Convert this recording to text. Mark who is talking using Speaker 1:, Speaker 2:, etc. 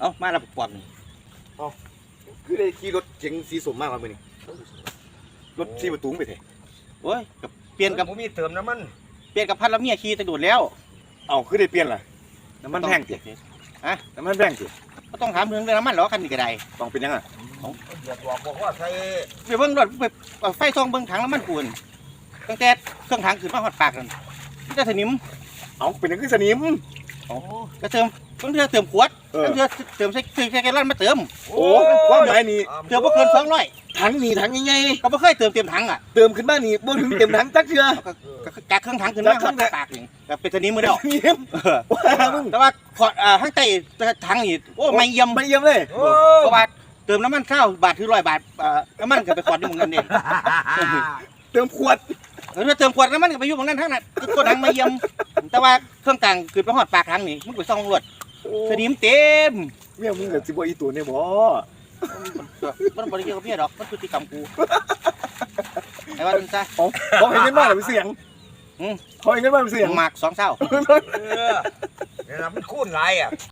Speaker 1: เอ้ามาแล้วปอบนี่
Speaker 2: คือได้ขี่รถเก๋งสีส้มมากกว่ามื้อนี้รถ4ประตูไปเถอะ
Speaker 1: โอ้ยกับเปลี่ยนกับ
Speaker 3: ผมมีเติมน้ำมัน
Speaker 1: เปลี่ยนกับพัดแล้วเมียขี่ตะโดดแล้ว
Speaker 2: เอาคือได้เปลี่ยนล่ะน้ำมันแพงติน้ำมันแพงติ
Speaker 1: ก็ต้องถามเรื่องน้ำมันหรอคันนี้ก็ได้
Speaker 2: ต้องเป็นยังอ่ะ
Speaker 3: เดือดบอกว่าใส่
Speaker 1: ไปเบิ่งรถไปไฟส่องเบิ่งถังน้ำมันปูนตั้งแต่เครื่องถังขึ้นมาฮอดปากนั่นนี่จะสนิม
Speaker 2: เอาเป็นยังคือสนิม
Speaker 1: ก็เติมบางเทื่อเติมขวดบางเทื่อเติมใส่แกลลอนมาเติม
Speaker 2: โอ้ความหมายนี่
Speaker 1: เติมบ่เกิน200
Speaker 2: ถังนี่ถังใหญ่
Speaker 1: ก็บ่เคยเติมเต็มถังอ่ะ
Speaker 2: ๆเติมขึ้นมานี่บ่ถึงเต็มถังจักเทื่อ
Speaker 1: ก็จากเครื่องถังขึ้นมาฮอดปากนี่ก็เป็นสนิมมื้อเดียว
Speaker 2: สนิมว้ามึง
Speaker 1: แต่ว่าขอดข้างใต้ถังนี่โอ้ไม่เยี่ยม
Speaker 2: ไม่เยี่ยมเลย
Speaker 1: เพราะว่าเติมน้ำมัน1,000 บาทถึง100 บาทน้ำมันก็ไปขอดอยู่หม้องนั้นเอง
Speaker 2: เติมขวด
Speaker 1: ถ้าเติมขวดน้ำมันก็ไปอยู่หม้องนั้นทั้งนั้นตัวถังไม่เยี่ยมแต่ว่าเครื่องกลางขึ้นไปฮอดปากถังนี่มันไปส่องรวดสนิมเต็ม
Speaker 2: เมียมึงกับสิบ่อีตัวเนี่ยบ่
Speaker 1: มันบริเกี่ยวกับเมียดอกมันพฤติกรรมกูไอ้ว่าจังซะ
Speaker 2: เขาให้เงินมาแล้วเป็นเสียงเขาให้เงินมาเป็นเสียง
Speaker 1: หมาก2 เศร้า
Speaker 3: เนี่ยมันคุ้นไรอ่ะ